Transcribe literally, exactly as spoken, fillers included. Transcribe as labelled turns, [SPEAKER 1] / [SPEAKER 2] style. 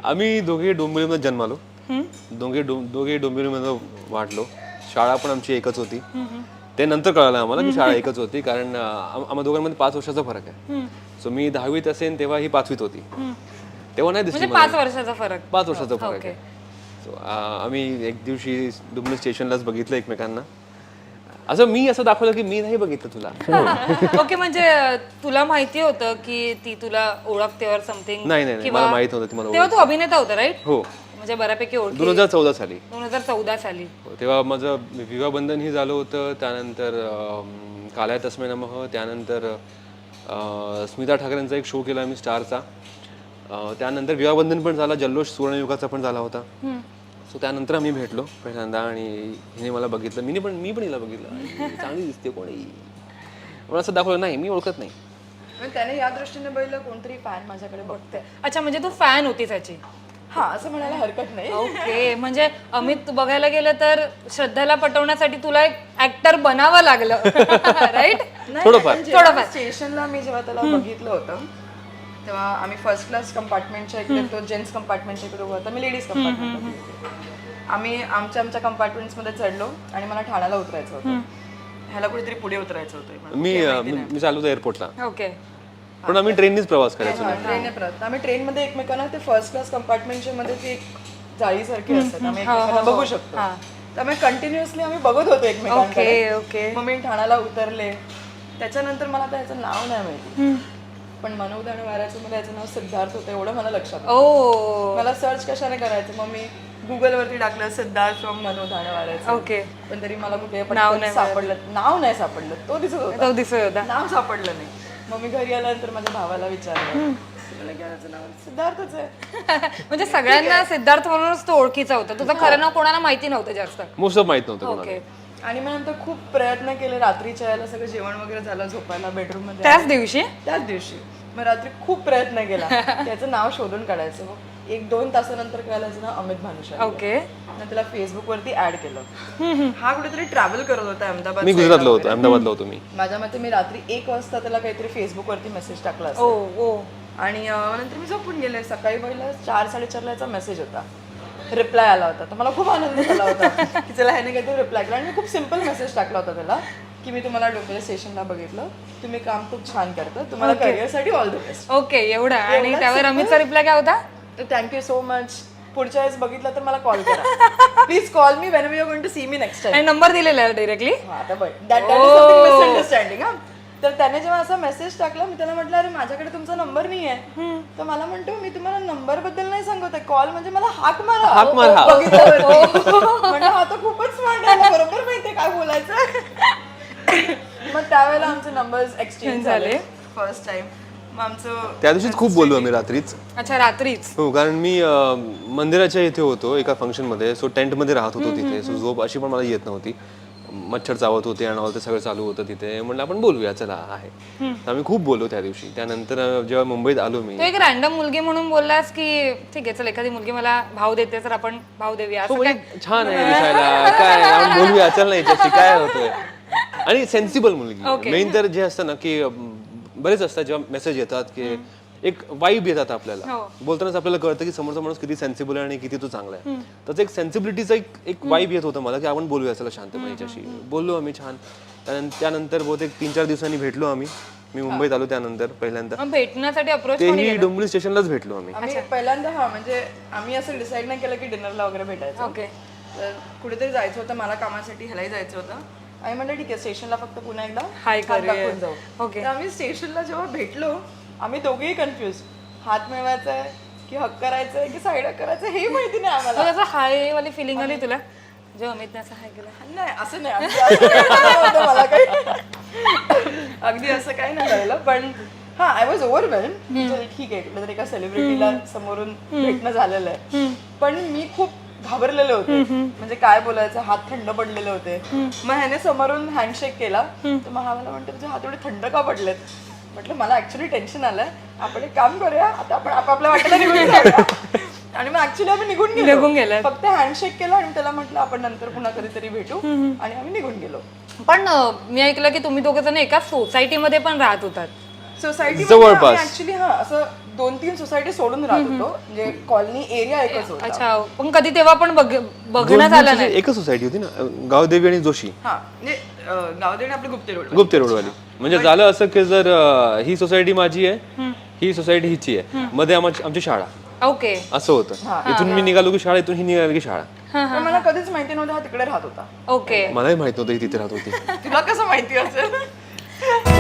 [SPEAKER 1] आम्ही दोघे डोंबिवलीमध्ये जन्मालो, दोघे दोघे डोंबिवलीमध्ये वाढलो. शाळा पण आमची एकच होती. ते नंतर कळालं आम्हाला की शाळा एकच होती, कारण आम्हा दोघांमध्ये पाच वर्षाचा फरक आहे. सो मी दहावीत असेल तेव्हा ही पाचवीत होती. तेव्हा नाही दिसली
[SPEAKER 2] पाच वर्षाचा फरक
[SPEAKER 1] पाच वर्षाचा फरक आहे. सो आम्ही एक दिवशी डोंबिवली स्टेशनलाच बघितलं एकमेकांना. असं मी असं दाखवलं की मी नाही बघितलं तुला.
[SPEAKER 2] ओके, म्हणजे तुला माहिती होतं की ती तुला ओळखते और समथिंग?
[SPEAKER 1] नाही नाही मला माहित नव्हतं ती मला.
[SPEAKER 2] तेव्हा तू अभिनेता होता राईट?
[SPEAKER 1] हो,
[SPEAKER 2] म्हणजे बऱ्यापैकी ओळख.
[SPEAKER 1] दोन हजार चौदा साली
[SPEAKER 2] दोन हजार चौदा साली
[SPEAKER 1] तेव्हा माझं विवाहबंधन ही झालं होतं. त्यानंतर काल्या तस्मै नमः, त्यानंतर स्मिता ठाकरेंचा एक शो केला आम्ही स्टारचा. त्यानंतर विवाहबंधन पण झाला, जल्लोष सुवर्णयुगाचा पण झाला होता. सो त्यानंतर आम्ही भेटलो पहिल्यांदा आणि हिने मला बघितलं, मी पण मी पण हिला बघितलं. चांगली दिसते कोणी, मला असं दाखवलं नाही मी ओळखत नाही.
[SPEAKER 3] त्याने या दृष्टीने बघितलं कोणतरी फॅन माझ्याकडे बघते.
[SPEAKER 2] अच्छा, म्हणजे तू फॅन होती त्याची?
[SPEAKER 3] हा, असं म्हणायला हरकत नाही.
[SPEAKER 2] ओके, म्हणजे अमित बघायला गेलं तर श्रद्धाला पटवण्यासाठी तुला एक ऍक्टर बनावं लागलं राईट?
[SPEAKER 1] थोडंफार
[SPEAKER 3] थोडंफार. स्टेशनला मी जेव्हा त्याला बघितलं होतं तेव्हा आम्ही फर्स्ट क्लास कंपार्टमेंटच्या इकडे, तो जेंट्स कंपार्टमेंटच्या इकडे उभा होता, मी लेडीज कंपार्टमेंट. आम्ही आमच्या आमच्या कंपार्टमेंट्समध्ये चढलो आणि मला ठाण्याला उतरायचं होतं. ह्याला कुठेतरी पुढे उतरायचं होतं.
[SPEAKER 1] मी मी चालू होतो एअरपोर्टला.
[SPEAKER 2] ओके,
[SPEAKER 1] पण आम्ही ट्रेननीच प्रवास करायचो.
[SPEAKER 3] ट्रेनने प्रवास आम्ही ट्रेनमध्ये एकमेकांना, ते फर्स्ट क्लास कंपार्टमेंटच्या मध्ये ती एक जाळीसारखी असतात, आम्ही एकमेकांना बघू शकतो. त्यामुळे कंटिन्युअसली आम्ही बघत होतो एकमेकांकडे.
[SPEAKER 2] ओके.
[SPEAKER 3] मग मी ठाण्याला उतरले. त्याच्यानंतर मला त्याचं नाव नाही माहिती, पण मनोज आणि वाऱ्याचं मला याचं नाव सिद्धार्थ होतं एवढं मला लक्षात होतं.
[SPEAKER 2] ओ,
[SPEAKER 3] मला सर्च कशाने करायचं, मग मी गुगलवरती टाकलं सिद्धार्थ फ्रॉम मनोज आणि वाऱ्याचं.
[SPEAKER 2] ओके,
[SPEAKER 3] पण तरी मला कुठे पटकन सापडलं, नाव नाही सापडलं. तो दिसत होता,
[SPEAKER 2] तो दिसत होता,
[SPEAKER 3] नाव सापडलं नाही. मग मी घरी आल्यानंतर माझ्या भावाला विचारलं, नाव सिद्धार्थच आहे.
[SPEAKER 2] म्हणजे सगळ्यांना सिद्धार्थ म्हणूनच तो ओळखीचा होता, तुझं खरं नाव कोणाला माहिती नव्हतं जास्त?
[SPEAKER 1] मोस्ट ऑफ माहित नव्हतं.
[SPEAKER 2] ओके.
[SPEAKER 3] आणि मग नंतर खूप प्रयत्न केले, रात्रीच्या यायला सगळं जेवण वगैरे झालं, झोपायला बेडरूम मध्ये
[SPEAKER 2] त्याच दिवशी
[SPEAKER 3] त्याच दिवशी मग रात्री खूप प्रयत्न केला त्याचं नाव शोधून काढायचं. मग एक दोन तासानंतर कळालं याचं नाव अमित भानुशाली.
[SPEAKER 2] ओके.
[SPEAKER 3] मग त्याला फेसबुक वरती ऍड केलं. हा कुठेतरी ट्रॅव्हल करत होता अहमदाबाद.
[SPEAKER 1] मी गुजरातला होतो, अहमदाबादला होतो मी.
[SPEAKER 3] माझ्या मते मी रात्री एक वाजता त्याला काहीतरी फेसबुक वरती मेसेज टाकला
[SPEAKER 2] ओ ओ
[SPEAKER 3] आणि नंतर मी झोपून गेले. सकाळी पहिला चार साडेचारला याचा मेसेज होता, रिप्लाय आला होता. तर मला खूप आनंद झाला होता की चला ह्याने काहीतरी रिप्लाय केला. आणि मी खूप सिम्पल मेसेज टाकला होता त्याला की मी तुम्हाला डोंबिवली स्टेशनला बघितलं, तुम्ही काम खूप छान करता, तुम्हाला करिअरसाठी ऑल द बेस्ट.
[SPEAKER 2] ओके, एवढा. आणि त्यावर अमितचा रिप्लाय काय होता?
[SPEAKER 3] तर थँक्यू सो मच, पुढच्या वेळेस बघितलं तर मला कॉल करा, please call me when we are going to see me next time.
[SPEAKER 2] आणि नंबर दिलेला आहे डायरेक्टली?
[SPEAKER 3] आता बघ, दॅट इज समथिंग मिसअंडरस्टँडिंग. हा, तर त्याने जेव्हा असा मेसेज टाकला, मी त्याला म्हटलं अरे माझ्याकडे तुमचा नंबर नाही आहे. तर मला म्हणतो मी तुम्हाला नंबर बद्दल नाही सांगत आहे, कॉल म्हणजे मला हाक मारा.
[SPEAKER 1] हाक मारा.
[SPEAKER 3] म्हणजे हा तर खूपच स्मार्ट आहे, बरोबर माहितीये काय बोलायचं. मग त्यावेळेला आमचे नंबर्स एक्सचेंज झाले फर्स्ट टाइम. मग आमचं
[SPEAKER 1] त्या दिवशीच खूप बोललो आम्ही रात्रीच.
[SPEAKER 2] अच्छा, रात्रीच?
[SPEAKER 1] हो, कारण मी मंदिराच्या इथे होतो एका फंक्शन मध्ये. सो टेंट मध्ये राहत होतो तिथे. सो झोप अशी पण मला येत नव्हती, मच्छर चावत होते आणि ते सगळं चालू होतं तिथे. म्हणलं आपण बोलूया चला आहे. तर आम्ही खूप बोललो त्या दिवशी. त्यानंतर जेव्हा मुंबईत आलो मी,
[SPEAKER 2] तू एक रॅन्डम मुलगी म्हणून बोललास की ठीक आहे चल एखादी मुलगी मला भाव देते तर आपण भाव देऊया, असं काय?
[SPEAKER 1] छान आहे दिसायला, काय आपण बोलूया चल नाही याच्याशी काय होतंय. आणि सेन्सिबल मुलगी मेन तर जे असतं ना की बरेच असतात जेव्हा मेसेज येतात की एक वाईब येतात आपल्याला, बोलतानाच आपल्याला कळतं की समोरचा माणूस किती सेन्सिबल आहे आणि किती तो चांगला आहे. त्याचं एक सेन्सिबिलिटीचा एक एक वाईब येत होतं मला की आपण बोलूया चला शांतपणे याच्याशी. बोललो आम्ही छान. त्यानंतर बहुतेक तीन चार दिवसांनी भेटलो आम्ही. मी मुंबईत आलो त्यानंतर पहिल्यांदा.
[SPEAKER 2] भेटण्यासाठी अप्रोच
[SPEAKER 1] तेही डोंबिवली स्टेशनलाच भेटलो आम्ही.
[SPEAKER 3] आम्ही पहिल्यांदा. हा, म्हणजे आम्ही असं डिसाईड नाही केलं की डिनरला वगैरे भेटायचं.
[SPEAKER 2] ओके.
[SPEAKER 3] तर कुठेतरी जायचं होतं मला कामासाठी, ह्यालाही जायचं होतं. आम्ही म्हणलं ठीक आहे स्टेशनला फक्त पुन्हा एकदा
[SPEAKER 2] हाय
[SPEAKER 3] हात दाखवून जाऊ.
[SPEAKER 2] ओके.
[SPEAKER 3] तर आम्ही स्टेशनला जेव्हा भेटलो आम्ही दोघेही कन्फ्युज, हात मिळवायचा आहे की हक करायचं आहे की साईड करायचं हेही माहिती नाही आम्हाला.
[SPEAKER 2] त्याचं हाय वाली फिलिंग आली तुला जेव्हा अमितने असं हाय केलं?
[SPEAKER 3] नाही असं नाही, आमचं असं काही नव्हतं मला काही, अगदी असं काही नाही झालेलं. पण हा, आय वॉज ओव्हरवेल्म. ठीक आहे कुठल्या तरी एका सेलिब्रिटीला समोरून भेटणं झालेलं आहे, पण मी खूप घाबरलेले होते. म्हणजे काय बोलायचं, हात थंड पडलेले होते. मग ह्याने समोरून हँडशेक केला तर मग हा मला म्हणतो तुझे हात एवढे थंड का पडलेत. म्हटलं मला ऍक्च्युली टेन्शन आलंय, आपण एक काम करूया आता, आपण आपापल्या वाटेला निघून जाऊया. आणि मग ऍक्च्युली आम्ही निघून
[SPEAKER 2] निघून
[SPEAKER 3] गेलो,
[SPEAKER 2] गेलो.
[SPEAKER 3] फक्त हँडशेक केला आणि त्याला म्हटलं आपण नंतर पुन्हा कधीतरी भेटू, आणि आम्ही निघून गेलो.
[SPEAKER 2] पण मी ऐकलं की तुम्ही दोघे जण एका सोसायटीमध्ये पण राहत होतात.
[SPEAKER 3] सोसायटी
[SPEAKER 1] जवळपास.
[SPEAKER 3] ऍक्च्युली हा असं दोन तीन सोसायटी सोडून राहत होतो म्हणजे कॉलनी एरिया एकच होता.
[SPEAKER 2] अच्छा पण कधी तेव्हा पण बघ- बघण्यात आलं नाही.
[SPEAKER 1] एकच सोसायटी होती ना, गावदेवी आणि जोशी,
[SPEAKER 3] हा म्हणजे अं, गावदेवी आपलं गुप्ते रोड
[SPEAKER 1] गुप्ते रोडवाली. म्हणजे झालं असं की जर अं, ही सोसायटी माझी आहे, ही सोसायटी हिची आहे, मध्ये आमची आमची शाळा,
[SPEAKER 2] ओके.
[SPEAKER 1] असं होतं. इथून मी निघालो की शाळा, इथून ही निघाली की शाळा.
[SPEAKER 3] पण मला कधीच माहिती नव्हतं हा तिकडे राहत होता.
[SPEAKER 2] ओके.
[SPEAKER 1] मलाही माहित नव्हतं ही तिथे राहत होती.
[SPEAKER 3] तुला कसं माहिती असेल?